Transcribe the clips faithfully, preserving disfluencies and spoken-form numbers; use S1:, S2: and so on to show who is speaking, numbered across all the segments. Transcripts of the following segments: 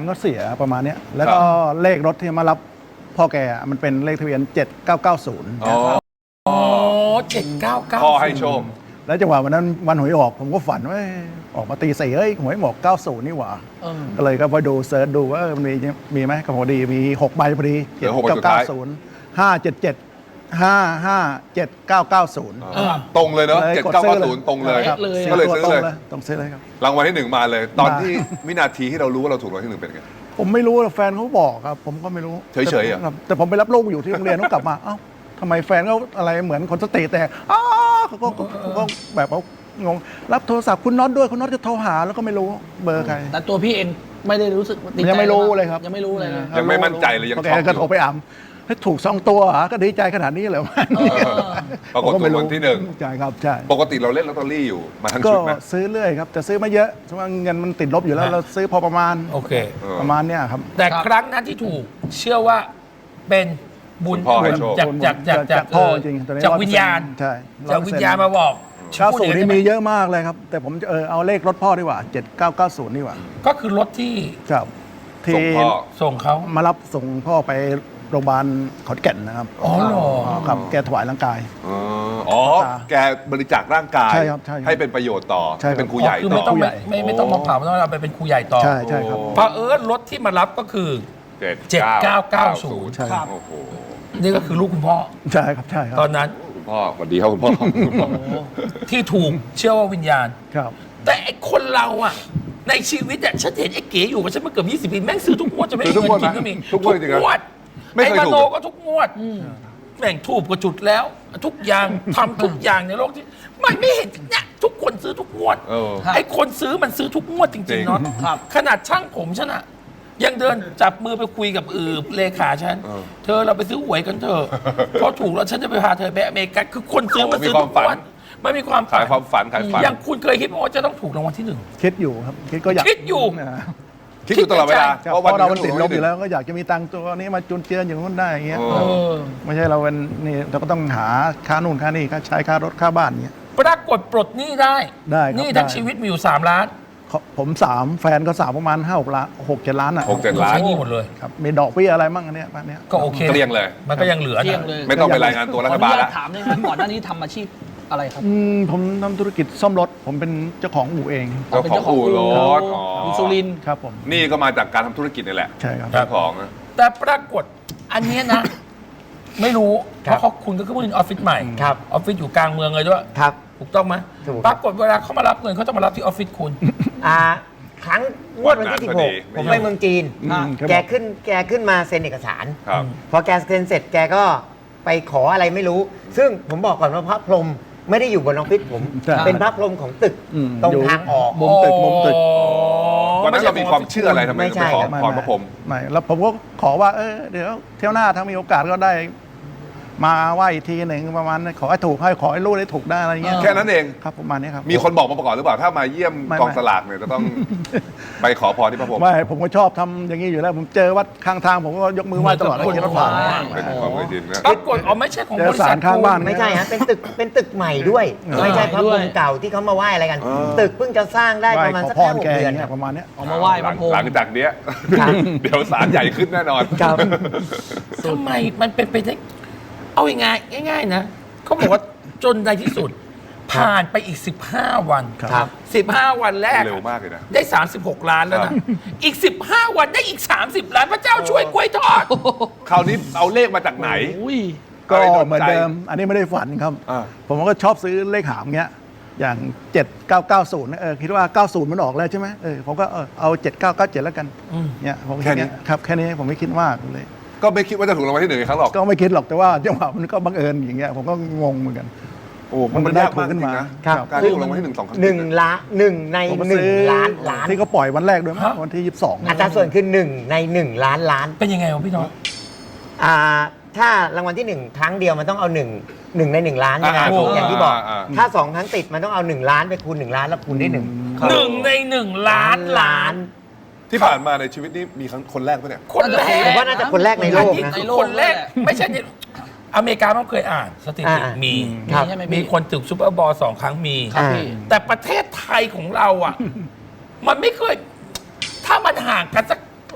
S1: มันก็เสียประมาณนี้แล้วก็เลขรถที่มารับพ่อแกมันเป็นเลขทะเบียนเจ็ดเก้าเก้าศูนย์
S2: อ๋อ
S3: เจ็ดเก้าเก้า
S2: พ่อให้โชค
S1: แล้วจังหวะวันนั้นวันหวยออกผมก็ฝันว่าออกมาตีสี่เอ้ยหวยหมอกเก้าศูนย์นี่หว่าก็เลยก็ไปดูเซิร์ชดูว่ามันมีมีไหมก็พอดีมีหกใบพอดีเจ็ดเก้าเก้าศูนย์ห้าเจ็ดเจ็ดห้าห้าเจ็ดเก้าเก้าศูนย์
S2: ตรงเลยเนาะเจ็ดเก้าเก้าศูนย์ตรงเลยก็เลยซื้อเลย
S1: ต้องซื้อเลยครับ
S2: รางวัลที่หนึ่งมาเลย ตอนที่วินาทีที่เรารู้ว่าเราถูกรางวัลที่หนึ่งเป็นไง
S1: ผมไม่รู้แฟนเขาบอกครับผมก็ไม่รู้
S2: เฉยๆอ่ะ
S1: แต่ผมไปรับลูกอยู่ที่โรงเรียนเขากลับมาเอ้าทำไมแฟนเขาอะไรเหมือนคนสติแต่อ้าเขาก็แบบเขางงรับโทรศัพท์คุณน็อตด้วยคุณน็อตจะโทรหาแล้วก็ไม่รู้เบอร์ใคร
S3: แต่ตัวพี่เองไม่ได้รู้สึก
S1: ยังไม่รู้เลยครับ
S3: ยังไม่รู้เลย
S2: ยังไม่มั่นใจเลยยังช็อกอยู่
S1: ก็โทรไปอ่ำให้ถูกสองตัวก็ดีใจขนาดนี้เลย
S2: ปรากฏถูกรางวัลที่หนึ่ง
S1: ใช่ครับใช่
S2: ปกติเราเล่นลอตเตอรี่อยู่มาทั้งชุดไหม
S1: ก็ซื้อเรื่อยครับแต่ซื้อไม่เยอะเพราะว่าเงินมันติดลบอยู่แล้วเราซื้อพอประมาณ
S3: โอเค
S1: ประมาณเนี้ยครับ
S3: แต่ครั้งนั้นที่ถูกเชื่อว่าเป็นบุญจากจากจากจาก
S1: พ่อจริง
S3: จากวิญญาณ
S1: ใช่
S3: จากวิญญาณมาบอก
S1: เก้าศูนย์นี่มีเยอะมากเลยครับแต่ผมเออเอาเลขรถพ่อดีกว่าเจ็ดเก้าเก้าศูนย์ดีกว่า
S3: ก็คือรถที่
S1: ครับที่
S3: ส่งเขา
S1: มารับส่งพ่อไปโรงพยาบาลขอนแก่นนะครับ
S3: อ๋อเหรอ
S1: ครับแกถวายร่างกาย
S2: อ๋อแกบริจาคร่างกายให้เป็นประโยชน์ต่อเป็นครูใหญ่
S3: คือไม่ต้องไม่ไม่ต้องมาเผาไม่ต้องเอาไปเป็นครูใหญ่ต่อ
S1: ใช่ใช่ครับ
S3: เพราะเอิร์ธรถที่มารับก็คือเจ็ดเก้าเก้าศูนย์
S1: ครับ
S3: นี่ก็คือลูกคุณพ่อ
S1: ใช่ครับใช่ครับ
S3: ตอนนั้น
S2: คุณพ่อสวัสดีครับคุณพ่อ
S3: ที่ถูกเชื่อว่าวิญญาณ
S1: ครับ
S3: แต่ไอ้คนเราอ่ะในชีวิตอ่ะฉันเห็นไอ้เก๋อยู่กับฉันมาเกือบยี่สิบปีแม่งซื้อทุกงวดจะไม่มีเงินกินก็มี
S2: ทุกงวดจริง
S3: ๆไอ้มโนก็ทุกงวดแม่งถูกก็จุดแล้วทุกอย่างทำทุกอย่างในโลกที่มันไม่เห็นเนี่ยทุกคนซื้อทุกงวดไอ้คนซื้อมันซื้อทุกงวดจริงๆเนาะขนาดช่างผมฉันอะยังเดินจับมือไปคุยกับอือเลขาฉันเธอเราไปซื้อหวยกันเถอะเพราะถูกแล้วฉันจะไปพาเธอไปอเมริกาคือคนซื้อมันซื้อทุกงวดไม่มีความ
S2: ขายความฝันขายฝัน
S3: อย่างคุณเคยคิดว่าจะต้องถูกรางวัลที่หนึ่ง
S1: คิดอยู่ครับคิดก็อยาก
S3: คิดอยู่
S2: คิดอยู่ตลอดเวลา
S1: เพราะเรามันติดลบอยู่แล้วก็อยากจะมีตังค์ตัวนี้มาจุนเจืออย่างนู้นได้อย่างเงี้ยไม่ใช่เราเป็นนี่เราก็ต้องหาค่านู่นค่านี่ค่าใช้ค่ารถค่าบ้านเงี้ย
S3: ปรากฏปลดหนี้ได้
S1: ได้
S3: นี่ทั้งชีวิตมีอยู่สามล้าน
S1: ผมสามแฟนก็สามประมาณห้าหกล้านหกเจ็ดล้านอ่ะ
S2: หกเจ็ดล้าน
S3: ใช้หนี้หมดเลย
S1: ครับมีดอกเบี้ยอะไรมั่งอันเนี้ยบ้านเนี้ย
S3: ก็โอเค
S2: เกลี้ยงเลย
S3: มันก็ยังเหลือ
S2: ไม่ต้องไปรายงานตัวรัฐบาลแล้ว
S4: ถามได้ไหมก่อนหน้านี้ทำอาชีพอะไรครับ
S1: ผมทำธุรกิจซ่อมรถผมเป็นเจ้าของอู่เอง
S2: เจ้าของอู่รถ
S4: อินซูลิน
S1: ครับผม
S2: นี่ก็มาจากการทำธุรกิจนี่แหละ
S1: ใช่ครับ
S2: เจ้าของ
S3: แต่ปรากฏอันนี้นะไม่รู้เพราะเขาคุณก็คือผู้ออฟฟิศใหม่ออฟฟิศอยู่กลางเมืองเลยด้วยถูกต้องไหมปรากฏเวลาเขามารับเงินเขาจะมารับที่ออฟฟิศคุณ
S5: อ่าครั้งงวดวันที่สิบหกผมไปเมืองจีนแกขึ้นแกขึ้นมาเซ็นเอกสารพอแกเซ็นเสร็จแกก็ไปขออะไรไม่รู้ซึ่งผมบอกก่อนว่าพระพรหมไม่ได้อยู่บนออฟฟิศผมเป็นพระพรหมของตึกตรงทางออก
S1: มุมตึกมุมตึก
S2: วันนั้นเรามีความเชื่ออะไรทำไมไปขอพรพระพรหม
S1: ไม่แล้วผมก็ขอว่าเออเดี๋ยวเที่ยวหน้าถ้ามีโอกาสก็ได้มาไหว้ทีหนึ่งประมาณขอให้ถูกให้ขอให้ลูกได้ถูกได้อะไรเงี้ย
S2: แค่นั้นเอง
S1: ครับประมาณนี้ครับ
S2: มีคนบอกมาประกอบหรือเปล่าถ้ามาเยี่ยมกองสลากเนี่ยจะต้องไปขอพรที่พระพรหม
S1: ไม่ผมก็ชอบทำอย่างนี้อยู่แล้วผมเจอวัดข้างทางผมก็ยกมือไหว้ตลอดเลยรถผ่าน
S2: เป็นความเคยชินนะ
S3: ปรากฏอ๋อไม่ใช่ของบริษัท
S1: ข้างบ้าน
S5: ไม่ใช่ฮะเป็นตึกเป็นตึกใหม่ด้วยไม่ใช่พระพรหมเก่าที่เขามาไหว้อะไรกันตึกเพิ่งจะสร้างได้ประมาณสักแค่หกเดือน
S1: ประมาณนี้
S4: เอามาไหว้พระพรหม
S2: หลังจากเนี้ยเดี๋ยวศาลใหญ่ขึ้นแน่นอน
S3: ทำไมมันเป็นไปได้เอาง่ายง่ายๆนะเขาบอกว่าจนในที่สุดผ่านไปอีกสิบห้าวัน
S5: ครับ
S3: สิบห้าวันแรก
S2: เร็วมากเลยนะ
S3: ได้สามสิบหกล้านแล้วนะอีกสิบห้าวันได้อีกสามสิบล้านพระเจ้าช่วยกล้วยทอด
S2: คราวนี้เอาเลขมาจากไหน
S1: ก็เหมือนเดิมอันนี้ไม่ได้ฝันครับผมก็ชอบซื้อเลขหามเงี้ยอย่างเจ็ดเก้าเก้าศูนย์เออคิดว่าเก้าศูนย์มันออกแล้วใช่ไหมเออผมก็เอาเจ็ดเก้าเก้าเจ็ดแล้วกันเนี่ยผมแค่นี้ครับแค่นี้ผมไม่คิดมากเลย
S2: ก็ไม่คิดว่าจะถูกรางวัลที่หนึ่งครั้งหรอก
S1: ก็ไม่คิดหรอกแต่ว่าจังหวะมันก็บังเอิญอย่างเงี้ยผมก็งงเหมือนกัน
S2: โอ้มันได้ถูกขึ้นมาการที่ถูกรางวัลที่หนึ่งสองครั้ง
S5: หนึ่งล้านหนึ่งในหนึ่งล้านล้าน
S1: ที่เขาปล่อยวันแรกด้วยมั้ยวันที่ยี่สิบสอง
S5: อัตราส่วนคือหนึ่งในหนึ่งล้านล้าน
S3: เป็นยังไงวะพี่น้อง
S5: อ่าถ้ารางวัลที่หนึ่งครั้งเดียวมันต้องเอาหนึ่งหนึ่งในหนึ่งล้านใช่ไหมอย่างที่บอกถ้าสองครั้งติดมันต้องเอาหนึ่งล้านไปคูณหนึ่งล้านแล้วคูณได้หนึ่ง
S3: หนึ่งในหนึ่งล้านล้าน
S2: ที่ผ่านมาในชีวิตนี้มีคนแรกปะเนี่ย
S3: คนแรก
S5: ผมว่าน่าจะคนแรกในโลกนะ
S3: คนแรกไม่ใช่อเมริกาต้องเคยอ่านสถิติมีมีคนถึงซูเปอร์บอลสองครั้งมีแต่ประเทศไทยของเราอ่ะมันไม่เคยถ้ามันห่างกันสัก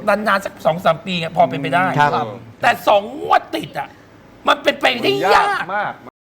S3: นานๆสักสองสามปีอะพอเป็นไปได้
S5: ครับ
S3: แต่สองงวดติดอ่ะมันเป็นไปได้ยาก
S2: มาก